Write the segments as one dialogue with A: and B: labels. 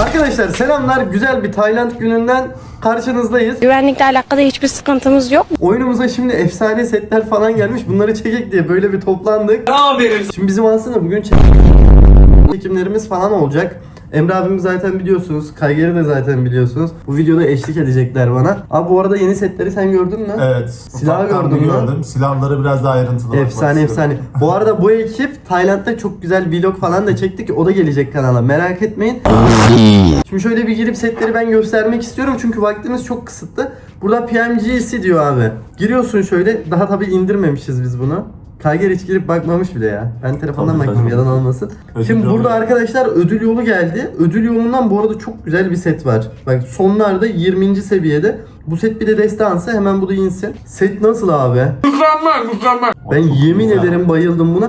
A: Arkadaşlar selamlar. Güzel bir Tayland gününden karşınızdayız.
B: Güvenlikle alakalı hiçbir sıkıntımız yok.
A: Oyunumuza şimdi efsane setler falan gelmiş. Bunları çekek diye böyle bir toplandık. Şimdi bizim aslında bugün çekimlerimiz falan olacak. Emre abimi zaten biliyorsunuz. Kaygeri de zaten biliyorsunuz. Bu videoda eşlik edecekler bana. Abi bu arada yeni setleri sen gördün mü?
C: Evet.
A: Silahı gördün mü?
C: Gördüm. Silahları biraz daha ayrıntılı
A: Efsane efsane. Bu arada bu ekip Tayland'da çok güzel vlog falan da çektik. O da gelecek kanala. Merak etmeyin. Şimdi şöyle bir girip setleri ben göstermek istiyorum. Çünkü vaktimiz çok kısıtlı. Burada PMGC diyor abi. Giriyorsun şöyle. Daha tabii indirmemişiz biz bunu. Kayger hiç girip bakmamış bile ya. Ben telefondan baktım yalan olmasın. Şimdi burada arkadaşlar ödül yolu geldi. Ödül yolundan bu arada çok güzel bir set var. Bak sonlarda 20. seviyede. Bu set bir de destansı, hemen bu da insin. Set nasıl abi? Mükemmel. Ben yemin ederim bayıldım buna.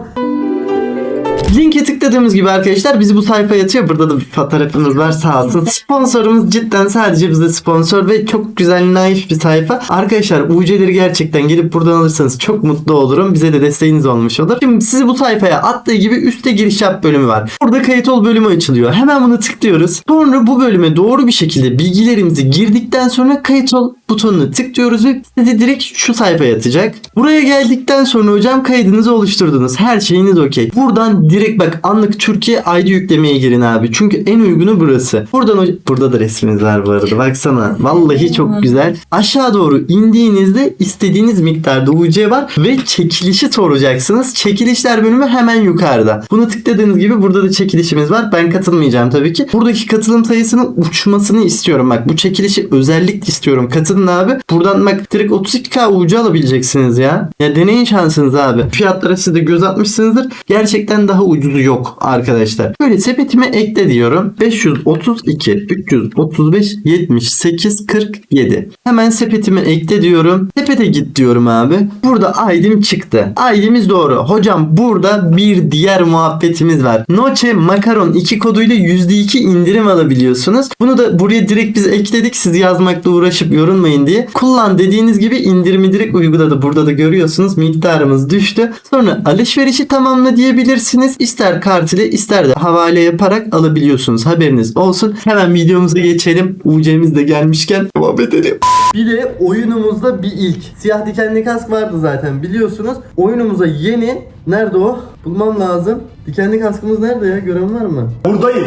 A: Linke tıkladığımız gibi arkadaşlar bizi bu sayfaya atıyor. Burada da bir fotoğrafımız var sağ olsun. Sponsorumuz cidden sadece bize sponsor ve çok güzel naif bir sayfa. Arkadaşlar UC'leri gerçekten gelip buradan alırsanız çok mutlu olurum. Bize de desteğiniz olmuş olur. Şimdi sizi bu sayfaya attığı gibi üstte giriş yap bölümü var. Burada kayıt ol bölümü açılıyor. Hemen bunu tıklıyoruz. Sonra bu bölüme doğru bir şekilde bilgilerimizi girdikten sonra kayıt ol butonuna tıklıyoruz ve sizi direkt şu sayfaya atacak. Buraya geldikten sonra hocam kaydınızı oluşturdunuz. Her şeyiniz okey. Buradan direkt bak anlık Türkiye ID yüklemeye girin abi. Çünkü en uygunu burası. Burada da resminiz var bu arada. Baksana. Vallahi çok güzel. Aşağı doğru indiğinizde istediğiniz miktarda UC var ve çekilişi soracaksınız. Çekilişler bölümü hemen yukarıda. Bunu tıkladığınız gibi burada da çekilişimiz var. Ben katılmayacağım tabii ki. Buradaki katılım sayısının uçmasını istiyorum. Bak bu çekilişi özellikle istiyorum. Katılın abi. Buradan bak direkt 32k UC alabileceksiniz ya. Ya deneyin şansınız abi. Fiyatlara siz de göz atmışsınızdır. Gerçekten daha ucuzu yok arkadaşlar. Böyle sepetime ekle diyorum. 532, 335, 78, 47. Hemen sepetime ekle diyorum. Sepete git diyorum abi. Burada ID'm çıktı. ID'miz doğru. Hocam burada bir diğer muhabbetimiz var. Noche Makaron 2 koduyla %2 indirim alabiliyorsunuz. Bunu da buraya direkt biz ekledik. Siz yazmakla uğraşıp yorulmayın diye. Kullan dediğiniz gibi indirimi direkt uyguladı. Burada da görüyorsunuz miktarımız düştü. Sonra alışverişi tamamla diyebilirsiniz. İster kart ile ister de havale yaparak alabiliyorsunuz. Haberiniz olsun. Hemen videomuza geçelim. UC'miz de gelmişken devam edelim. Bir de oyunumuzda bir ilk. Siyah dikenli kask vardı zaten biliyorsunuz. Oyunumuza yeni. Nerede o? Bulmam lazım. Dikenli kaskımız nerede ya? Gören var mı?
C: Buradayım.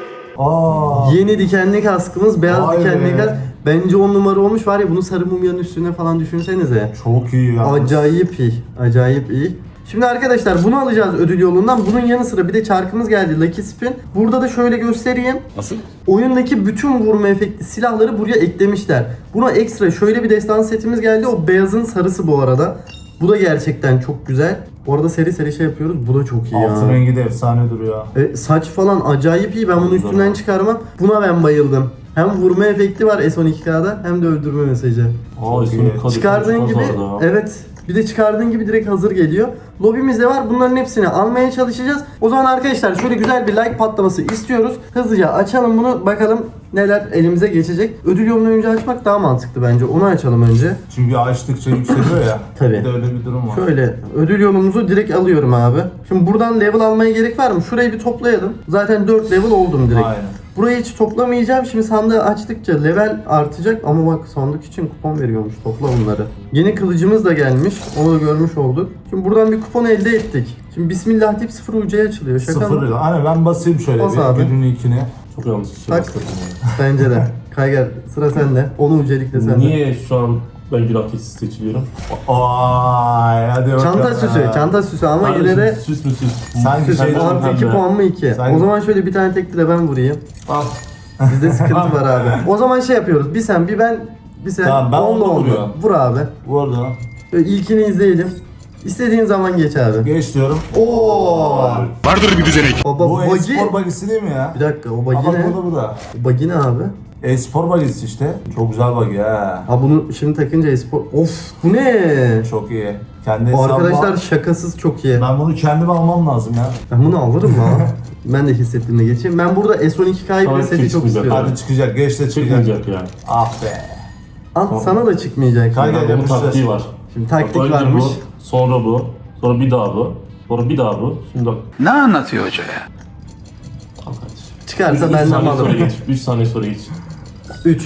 A: Yeni dikenli kaskımız. Beyaz
C: Vay
A: dikenli
C: be.
A: kask. Bence 10 numara olmuş var ya, bunu sarı mumyanın üstüne falan düşünsenize.
C: Çok iyi ya.
A: Acayip iyi. Acayip iyi. Şimdi arkadaşlar bunu alacağız ödül yolundan. Bunun yanı sıra bir de çarkımız geldi, Lucky Spin. Burada da şöyle göstereyim.
D: Nasıl?
A: Oyundaki bütün vurma efekti silahları buraya eklemişler. Buna ekstra şöyle bir destan setimiz geldi. O beyazın sarısı bu arada. Bu da gerçekten çok güzel. Bu arada seri seri şey yapıyoruz. Bu da çok iyi ya.
C: Altın rengi de efsane duruyor.
A: Saç falan acayip iyi. Ben bunu üstünden çıkarmam. Buna ben bayıldım. Hem vurma efekti var S12K'da hem de öldürme mesajı. Çıkardığın gibi evet. Bir de çıkardığın gibi direkt hazır geliyor. Lobimiz de var. Bunların hepsini almaya çalışacağız. O zaman arkadaşlar şöyle güzel bir like patlaması istiyoruz. Hızlıca açalım bunu. Bakalım neler elimize geçecek. Ödül yolunu önce açmak daha mantıklı bence. Onu açalım önce.
C: Çünkü açtıkça yükseliyor ya.
A: Tabii.
C: Bir de öyle bir durum var.
A: Şöyle ödül yolumuzu direkt alıyorum abi. Şimdi buradan level almaya gerek var mı? Şurayı bir toplayalım. Zaten 4 level oldum direkt.
C: Aynen.
A: Burayı hiç toplamayacağım. Şimdi sandığı açtıkça level artacak. Ama bak sandık için kupon veriyormuş. Topla bunları. Yeni kılıcımız da gelmiş. Onu da görmüş olduk. Şimdi buradan bir kupon elde ettik. Şimdi Bismillah deyip 0 UC'ye açılıyor. Şaka
C: Sıfır
A: mı?
C: lira. Hani ben basayım şöyle
A: Bas
C: bir
A: abi.
C: günün ilkini.
D: Çok yanlış bir şey
A: Tak.
D: bastırdım
A: Bence de. Kayger sıra sende. Onu UC'likle
D: ya.
A: sende.
D: Niye şu an ben günah keçisi seçiliyorum?
C: Ay hadi bakalım.
A: Çanta süsü. Çanta süsü ama yine
D: Kardeşim,
A: de
D: süs mü süs?
C: Sanki
A: süs.
C: şey
A: Artı 2 puan mı 2?
C: Sen-
A: O zaman şöyle bir tane tekli de ben vurayım.
C: Al.
A: Bizde sıkıntı var abi. O zaman şey yapıyoruz. Bir sen bir ben. Bir sen.
C: Tamam, ben
A: onunla
C: onu
A: onunla.
C: vuruyorum.
A: Vur abi.
C: Bu arada
A: Böyle ilkini izleyelim. İstediğin zaman geç abi.
C: geç diyorum.
A: Oo.
E: Vardır bir düzenek.
A: Baba
C: Bu
A: bagi.
C: e-spor bagisi değil mi ya?
A: Bir dakika o bagi
C: Ama
A: ne?
C: bu da.
A: O bagi ne abi?
C: E-spor bagisi işte. Çok güzel bagi ha.
A: Ha bunu şimdi takınca espor. Of bu ne?
C: Çok iyi. Kendi
A: O
C: hesabıma-
A: arkadaşlar şakasız çok iyi.
C: Ben bunu kendime almam lazım ya.
A: Ben bunu alırım lan. Ben de hissettiğimde geçeyim. Ben burada S12K'yı
D: Tamam,
A: bile seti çok
D: çıkmayacak.
A: istiyorum.
C: Hadi çıkacak. Geç de çıkacak.
D: Çıkmayacak yani.
C: Ah be.
A: Al sana da çıkmayacak.
C: Kayger
A: şimdi.
D: Bunun
C: yapıştır.
D: taktiği var.
A: Şimdi taktik
D: Bak, önce
A: varmış.
D: bu, sonra bu, sonra bir daha bu, sonra bir daha bu. Şimdi bak.
E: Ne anlatıyor hoca ya?
D: Al kardeşim.
A: Çıkarsa
D: 3
A: benden
D: saniye sonra
A: alırım.
D: geç. 3 saniye sonra geç.
A: 3.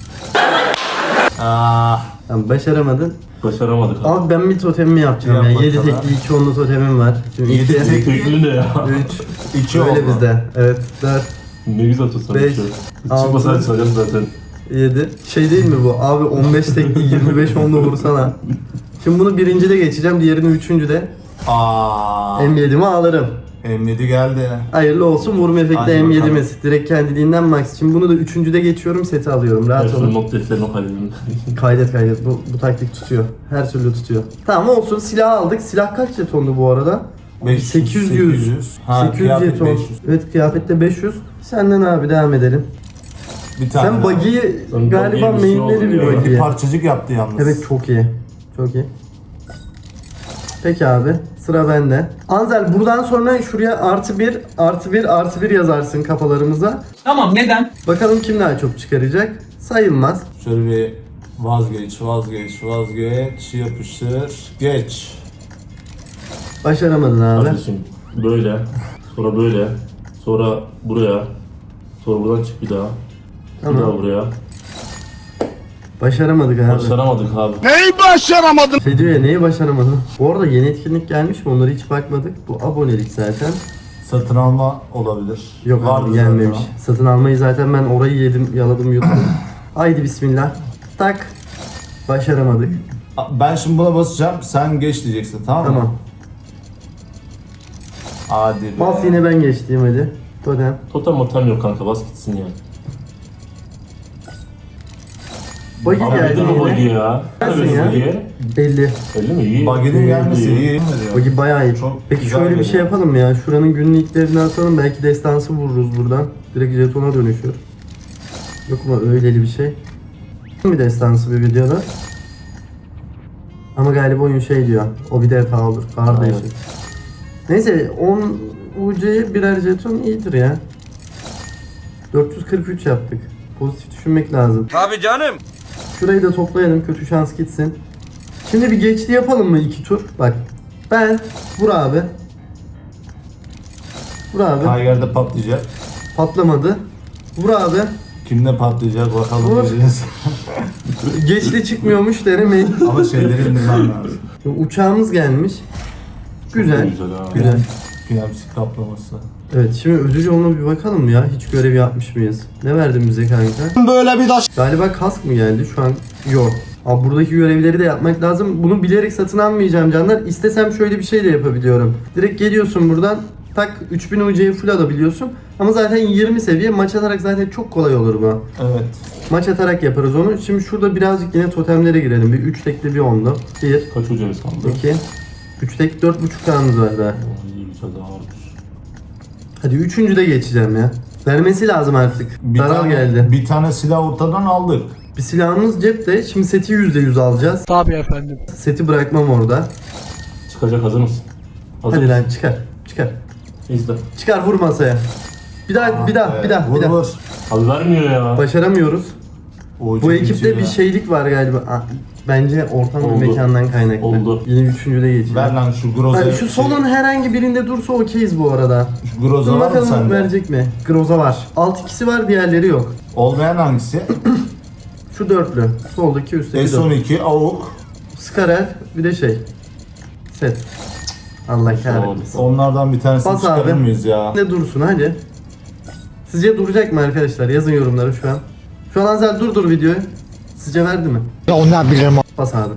A: Tamam, başaramadın.
D: Başaramadık abi.
A: Abi ben bir totemimi yapacağım
C: Yap
A: ya. 7
C: bakalım.
A: tekli 2 onlu totemim var. Şimdi 2, 3,
D: Tekli ne ya?
C: 2 oldu.
A: öyle bizde. Evet, 4,
D: Ne güzel tutsan.
A: 5,
D: Çıkmasa
A: 6,
D: çalacağız zaten.
A: 7. Şey değil mi bu? Abi 15 tekli 25 onlu vursana. Şimdi bunu birincide geçeceğim, diğerini üçüncüde. M7'mi alırım.
C: M7 geldi.
A: Hayırlı olsun, vurma efekti
C: Hadi
A: M7'miz. Direkt kendiliğinden max. Şimdi bunu da üçüncüde geçiyorum, seti alıyorum. Rahat
D: Şöyle
A: olun.
D: not defterine kaydedelim.
A: Kaydet. Bu taktik tutuyor. Her türlü tutuyor. Tamam olsun, silah aldık. Silah kaç jetondu bu arada? 800. 800
C: kıyafet
A: jeton.
C: 500.
A: Evet, kıyafette 500. Senden abi devam edelim.
C: Bir tane
A: Sen
C: daha.
A: buggy'i
D: Sen
A: galiba
D: buggy'ye bir şey
A: mainleri
D: oldun
A: bir
D: ya.
C: Bir
A: buggy'ye.
C: parçacık yaptı yalnız.
A: Evet, çok iyi. Çok iyi. Peki abi, sıra bende. Anzel, buradan sonra şuraya +1 yazarsın kafalarımıza.
E: Tamam, neden?
A: Bakalım kim daha çok çıkaracak. Sayılmaz.
C: Şöyle bir vazgeç, yapıştır, geç.
A: Başaramadın abi.
D: Kardeşim böyle, sonra böyle, sonra buraya, sonra buradan çık bir daha. Bir
A: Tamam.
D: daha buraya.
A: Başaramadık abi.
D: Başaramadık abi.
A: Şey diyor ya, neyi başaramadın? Bu arada yeni etkinlik gelmiş mi? Onlara hiç bakmadık. Bu abonelik zaten.
C: Satın alma olabilir.
A: Yok abi,
C: Vardı
A: gelmemiş.
C: zaten.
A: Satın almayı zaten ben orayı yedim, yaladım, yuttum. Haydi bismillah. Tak. Başaramadık.
C: Ben şimdi buna basacağım, sen geç diyeceksin, tamam mı?
A: Tamam.
C: Hadi be.
A: Bas, yine ben geçtiğim hadi. Totem.
D: Totem yok kanka, bas gitsin ya.
A: Buggy
D: Abi
A: geldi
D: nedir bu buggy
A: yine.
D: ya?
A: Gelsin
D: Evet,
A: ya.
D: buggy.
A: 50.
D: Öyle mi? İyi.
C: Buggy'nin gelmesi iyi.
A: Buggy bayağı iyi.
C: Çok
A: Peki
C: güzel
A: şöyle bir şey
C: geliyor.
A: yapalım mı ya. Şuranın günlüklerini atalım. Belki destansı vururuz buradan. Direkt jetona dönüşür. Yok mu öyleli bir şey? Bir destansı bir videoda. Ama galiba oyun şey diyor. O bir defa olur. Kardeşim.
D: Evet.
A: Neyse 10 UC'ye birer jeton iyidir ya. 443 yaptık. Pozitif düşünmek lazım.
F: Tabii canım.
A: Şurayı da toplayalım, kötü şans gitsin. Şimdi bir geçti yapalım mı 2 tur? Bak. Ben, vur abi. Vur abi.
C: Tiger'de patlayacak.
A: Patlamadı. Vur abi.
C: Kimde patlayacak bakalım
A: Vur.
C: göreceğiz.
A: Geçti çıkmıyormuş denemeyin.
C: Ama şeyleri indirmem lazım.
A: Uçağımız gelmiş. Güzel.
D: Güzel ha.
A: Güzel.
C: PMC kaplaması.
A: Evet, şimdi ödül yoluna bir bakalım mı ya? Hiç görev yapmış mıyız? Ne verdin bize kanka?
C: Böyle bir daş.
A: Galiba kask mı geldi? Şu an yok. Abi buradaki görevleri de yapmak lazım. Bunu bilerek satın almayacağım canlar. İstesem şöyle bir şey de yapabiliyorum. Direkt geliyorsun buradan. Tak 3000 UC'yi full alabiliyorsun. Ama zaten 20 seviye, maç atarak zaten çok kolay olur bu.
C: Evet.
A: Maç atarak yaparız onu. Şimdi şurada birazcık yine totemlere girelim. Bir 3 tekli bir 10'lu. 1,
D: Kaç hocamız kaldı?
A: 2, 3 tek 4.5 kanımız var daha.
D: İyi güzel daha varmış.
A: Hadi üçüncüde geçeceğim ya. Vermesi lazım artık. Daral geldi.
C: Bir tane silah ortadan aldık.
A: Bir silahımız cepte. Şimdi seti %100 alacağız.
E: Tabii efendim.
A: Seti bırakmam orada.
D: Çıkacak, hazır mısın? Hazır
A: Hadi
D: mısın?
A: lan çıkar. Çıkar.
D: İzle.
A: Çıkar, vur masaya. Bir daha, bir daha, bir daha,
C: Vur
A: bir daha.
C: vur.
D: Abi vermiyor ya.
A: Başaramıyoruz.
C: O
A: Bu ekipte bir şeylik var galiba. Bence ortam
D: Oldu.
A: ve mekandan kaynaklı.
D: Oldu.
A: Yine üçüncüde geçeceğim.
C: Ver lan şu Groza.
A: Hani şu solun herhangi birinde dursa okeyiz bu arada.
C: Şu Groza
A: Dur
C: var mı
A: bakalım
C: sende?
A: verecek mi? Groza var. Alt ikisi var, diğerleri yok.
C: Olmayan hangisi?
A: Şu dörtlü. Soldaki üstteki dörtlü.
C: S12, AUK.
A: Skarer, bir de şey. Set. Allah kahretmesin.
C: Onlardan bir tanesini
A: Bas
C: çıkarır
A: abi.
C: mıyız ya?
A: Ne dursun hadi. Sizce duracak mı arkadaşlar? Yazın yorumları şu an. Şu an Anzel durdur videoyu. Sizce verdi mi?
G: Ya ondan bilirim.
A: Bas abi.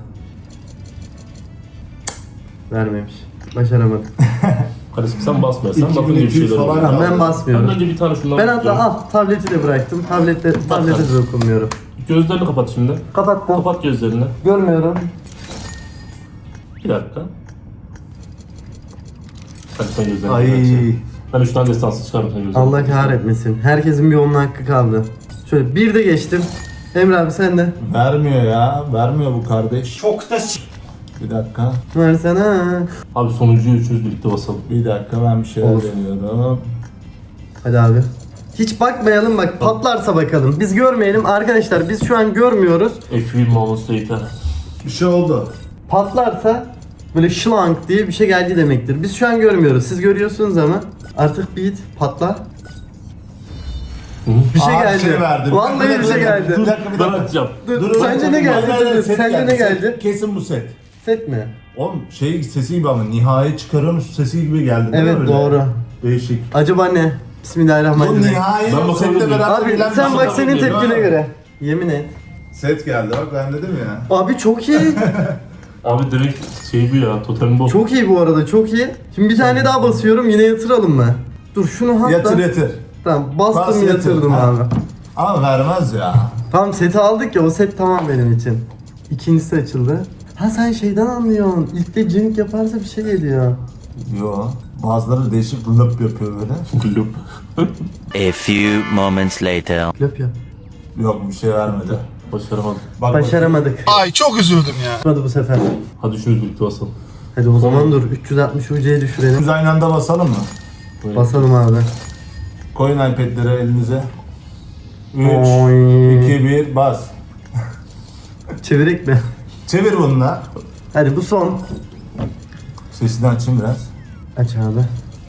A: Vermemiş. Başaramadım.
D: Kardeşim sen basma. Sen
C: 2200
D: bakınca bir şeyler
C: falan
D: oluyor.
C: ya.
A: Ben
D: Ben
A: basmıyorum.
D: önce bir tane şundan
A: Ben hatta
D: bakacağım.
A: al tableti de bıraktım. Tablete de dokunmuyorum.
D: Gözlerini kapat şimdi.
A: Kapattım.
D: Kapat gözlerini.
A: Görmüyorum.
D: Bir dakika. Hadi sen gözlerini
C: Ay.
D: kapat. Ben 3 tane destansı çıkardım sen gözlerini.
A: Allah kahretmesin. Herkesin bir onun hakkı kaldı. Şöyle bir de geçtim. Emre abi sen de.
C: Vermiyor ya. Vermiyor bu kardeş. Çok da Bir dakika.
A: Versene.
D: Abi sonuncuyu üçümüz birlikte basalım.
C: Bir dakika ben bir şeyler
A: Olur.
C: deniyorum.
A: Hadi abi. Hiç bakmayalım, bak patlarsa bakalım. Biz görmeyelim arkadaşlar, biz şu an görmüyoruz.
D: F1 moments later.
C: Bir şey oldu.
A: Patlarsa böyle şlank diye bir şey geldi demektir. Biz şu an görmüyoruz. Siz görüyorsunuz ama artık beat patla. Bir şey
C: Aa,
A: geldi.
C: şey verdi.
A: Vallahi bir şey geldi.
C: Bir dakika.
D: Ben açacağım.
A: Dur, sence ne geldi? Dur,
C: Set
A: sence ne
C: set.
A: geldi?
C: Kesin bu set.
A: Set mi?
C: Oğlum şey sesi gibi ama nihai çıkarıyormuş sesi gibi geldi. değil mi
A: Evet
C: öyle?
A: doğru.
C: Değişik.
A: Acaba ne?
C: Bu
A: Bismillahirrahmanirrahim.
C: nihai
D: Ben bakabilir
C: setle
D: miyim?
C: beraber
A: Abi
C: gelen bir
A: sen
C: şey.
A: bak senin
D: geliyor,
A: tepkine
D: ha?
A: göre. Yemin et.
C: Set geldi bak ben dedim ya.
A: Abi çok iyi.
D: Abi direkt şey bu ya, totem bu.
A: Çok iyi bu arada, çok iyi. Şimdi bir tane daha basıyorum, yine yatıralım mı? Dur şunu hatta.
C: Yatır.
A: Tamam bastım
C: Bas, yatır.
A: yatırdım
C: Ha.
A: abi.
C: Ama vermez ya.
A: Tamam seti aldık ya, o set tamam benim için. İkincisi açıldı. Ha sen şeyden anlıyorsun. İlk de cink yaparsa bir şey geliyor.
C: Yo. Bazıları değişik lıp yapıyor böyle.
D: Gülüp.
E: A few moments later.
A: Löp yap.
C: Yok bir şey vermedi.
D: Başaramadım.
C: Bak,
A: Başaramadık.
F: Ay çok üzüldüm ya.
A: Hadi bu sefer.
D: Hadi şunu birlikte basalım.
A: Hadi o zaman dur 360 UC'ye düşürelim.
C: Biz aynı anda basalım mı?
D: Böyle.
A: Basalım abi.
C: Koyun iPad'leri elinize. 3,
A: Oy.
C: 2, 1 bas.
A: Çevirek mi?
C: Çevir bununla.
A: Hadi bu son.
C: Sesini açayım biraz.
A: Aç abi.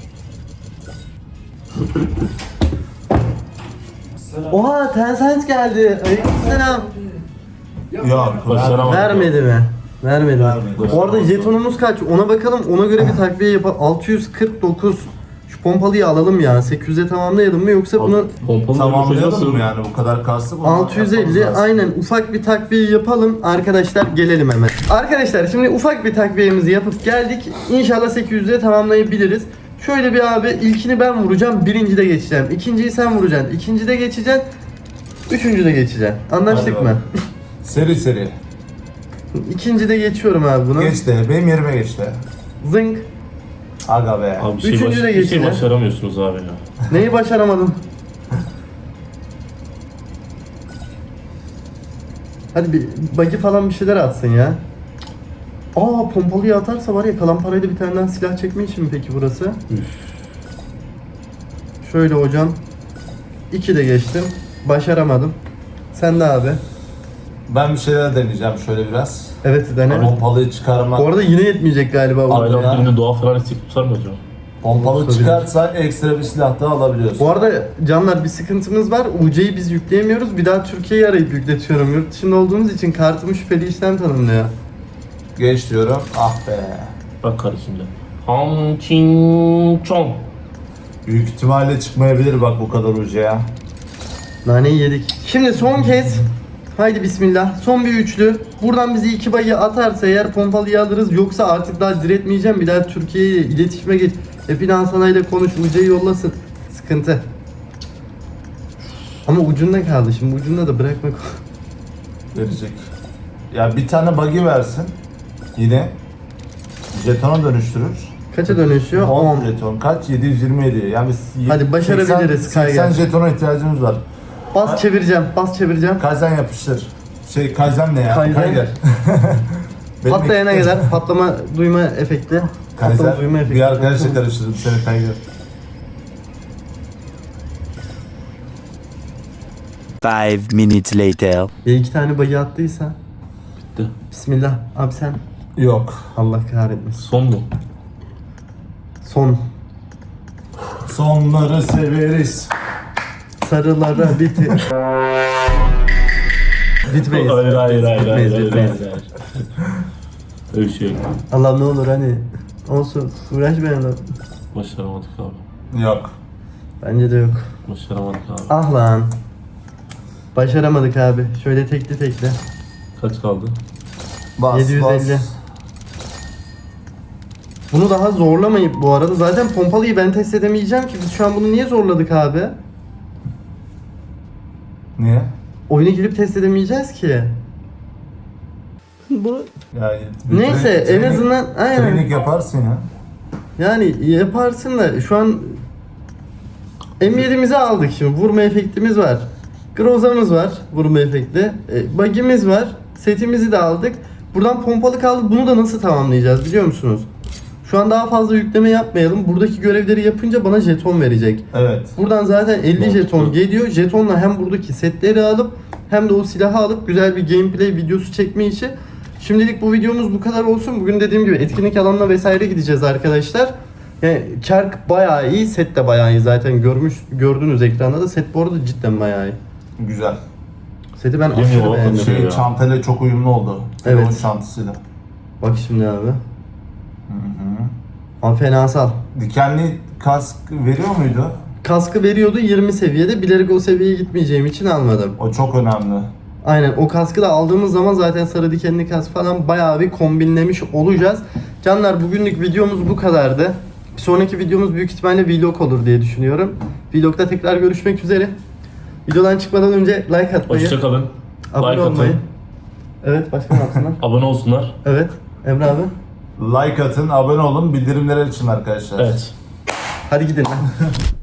A: Oha Tencent geldi. Aleykümselam.
C: Yok.
D: Başaramadım.
A: Vermedi mi? Vermedi.
C: Vermedi.
A: Bu arada jetonumuz kaç? Ona bakalım. Ona göre bir takviye yapalım. 649. Şu pompalıyı alalım ya. 800'e tamamlayalım mı yoksa bunu
D: Pompalı
C: Tamamlayalım mı yani bu kadar kastı?
A: 650 aynen ufak bir takviye yapalım. Arkadaşlar gelelim hemen. Arkadaşlar şimdi ufak bir takviyemizi yapıp geldik. İnşallah 800'e tamamlayabiliriz. Şöyle bir abi ilkini ben vuracağım. Birincide geçeceğim. İkinciyi sen vuracaksın. İkincide geçeceksin. Üçüncüde geçeceksin. Anlaştık
C: Hadi
A: mı?
C: bakalım. Seri.
A: İkincide geçiyorum abi bunu.
C: Geç de benim yerime geç de.
A: Zınk.
C: Aga be.
D: Abi
A: Üçüncü de
D: bir şey
A: geçeceğim.
D: başaramıyorsunuz abi ya.
A: Neyi başaramadım? Hadi bir bagi falan bir şeyler atsın ya. Aa pompalıyı atarsa var ya kalan parayla bir tane daha silah çekme için mi peki burası? Şöyle hocam. 2 de geçtim. Başaramadım. Sen de abi.
C: Ben bir şeyler deneyeceğim şöyle biraz.
A: Evet dene.
C: Pompalıyı çıkarmak.
A: Bu arada yine yetmeyecek galiba bu.
C: Aynen.
D: Aynen birinde doğa falan istek tutar mı acaba?
C: Pompalı
A: Tabii.
C: çıkarsa ekstra bir silah daha alabiliyorsun.
A: Bu arada canlar bir sıkıntımız var. UC'yi biz yükleyemiyoruz. Bir daha Türkiye'yi arayıp yükletiyorum. Yurt dışında olduğumuz için kartımı şüpheli işlem tanımlıyor.
C: Geç diyorum. Ah be.
D: Bak kardeşim de. Ham çin çon.
C: Büyük ihtimalle çıkmayabilir bak bu kadar uca ya.
A: Naneyi yedik. Şimdi son kez. Haydi bismillah. Son bir üçlü. Buradan bizi 2 bayı atarsa eğer pompalıyı alırız. Yoksa artık daha diretmeyeceğim. Bir daha Türkiye'ye iletişime geç. Epinal Sanay'la konuş. UC'yi yollasın. Sıkıntı. Ama ucunda kaldı. Şimdi ucunda da bırakmak.
C: Verecek. Ya bir tane buggy versin. Yine. Jetona dönüştürür.
A: Kaça dönüşüyor?
C: 10
A: 10.
C: jeton. Kaç? 727. Yani biz
A: Hadi başarabiliriz,
C: 80
A: Kaygan.
C: jetona ihtiyacımız var.
A: Bas çevireceğim. Bas çevireceğim.
C: Kaizen yapıştır. Kaizen ne ya?
A: Kaizen.
C: Kaizen. Benim
A: Patlayana
C: ekipte-
A: kadar patlama duyma efekti. Patlama duyma
C: Kaizen
A: efekti.
C: bir arkadaşla karıştırdım seni Kaizen.
E: 5 minutes later.
A: Ya 2 tane bayı attıysa.
D: Bitti.
A: Bismillah. Abi sen
C: Yok.
A: Allah kahretmesin.
D: Son mu?
A: Son.
C: Sonları severiz.
A: Sarılara bitir. Bitmeyiz.
D: Hayır.
A: Bitmeyiz.
D: Öyle bir şey yok.
A: Allah ne olur hani. Olsun. Uğraşmayalım.
D: Başaramadık abi.
C: Yok.
A: Bence de yok.
D: Başaramadık abi.
A: Ah lan. Başaramadık abi. Şöyle tekli.
D: Kaç kaldı?
C: Bas
A: 750.
C: bas.
A: Bunu daha zorlamayıp bu arada zaten pompalıyı ben test edemeyeceğim ki. Biz şu an bunu niye zorladık abi?
C: Niye?
A: Oyuna girip test edemeyeceğiz ki. Bu
C: Ya,
A: neyse en azından aynen.
C: Trening yaparsın ya.
A: Yani yaparsın da şu an M7'mizi aldık şimdi. Vurma efektimiz var. Groza'mız var. Vurma efekti. Bug'imiz var. Setimizi de aldık. Buradan pompalı kaldı. Bunu da nasıl tamamlayacağız biliyor musunuz? Şu an daha fazla yükleme yapmayalım. Buradaki görevleri yapınca bana jeton verecek.
C: Evet.
A: Buradan zaten 50
D: Mantıklı.
A: jeton geliyor. Jetonla hem buradaki setleri alıp hem de o silahı alıp güzel bir gameplay videosu çekme işi. Şimdilik bu videomuz bu kadar olsun. Bugün dediğim gibi etkinlik alanına vesaire gideceğiz arkadaşlar. Yani çark bayağı iyi, set de bayağı iyi zaten gördünüz ekranda da set bu arada cidden bayağı iyi.
C: Güzel.
A: Seti ben
D: Değil mi
A: aşırı
D: o?
A: beğendim.
D: Ya.
C: Çantayla çok uyumlu oldu. Telefon
A: Evet.
C: çantasıyla.
A: Bak şimdi abi. Ama fenasal.
C: Dikenli kask veriyor muydu?
A: Kaskı veriyordu 20 seviyede. Bilerek o seviyeye gitmeyeceğim için almadım.
C: O çok önemli.
A: Aynen, o kaskı da aldığımız zaman zaten sarı dikenli kask falan bayağı bir kombinlemiş olacağız. Canlar, bugünlük videomuz bu kadardı. Bir sonraki videomuz büyük ihtimalle vlog olur diye düşünüyorum. Vlogda tekrar görüşmek üzere. Videodan çıkmadan önce like atmayı,
D: Hoşçakalın.
A: abone
D: Like
A: olmayı.
D: atın.
A: Evet, başka ne yapsınlar?
D: Abone olsunlar.
A: Evet, Emre abi.
C: Like atın, abone olun, bildirimleri açın arkadaşlar.
D: Evet.
A: Hadi gidin lan.